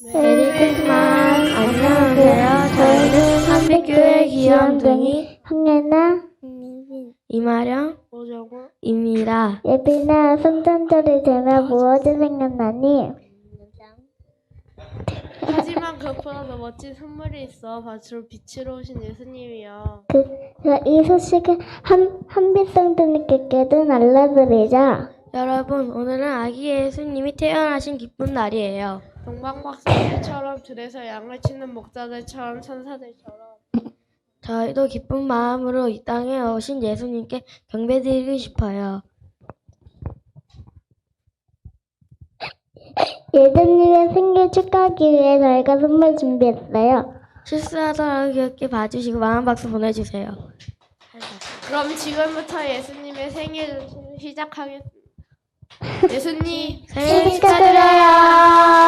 메리 크리스마스. 안녕하세요. 저희는 삼백교회 귀염둥이 황예나, 이마령 입니다. 예빈아, 성탄절이 되면 무엇이 생각나니? 하지만 그것보다 더 멋진 선물이 있어. 밭으로 빛으로 오신 예수님이요. 이 소식을 한빛성도님께도 알려드리자. 여러분, 오늘은 아기 예수님이 태어나신 기쁜 날이에요. 동방박사들처럼 들에서 양을 치는 목자들처럼 천사들처럼 저희도 기쁜 마음으로 이 땅에 오신 예수님께 경배드리고 싶어요. 예수님의 생일 축하하기 위해 저희가 선물 준비했어요. 실수하더라도 귀엽게 봐주시고 마음 박수 보내주세요. 그럼 지금부터 예수님의 생일을 시작하겠습니다. 예수님 생일 축하드려요.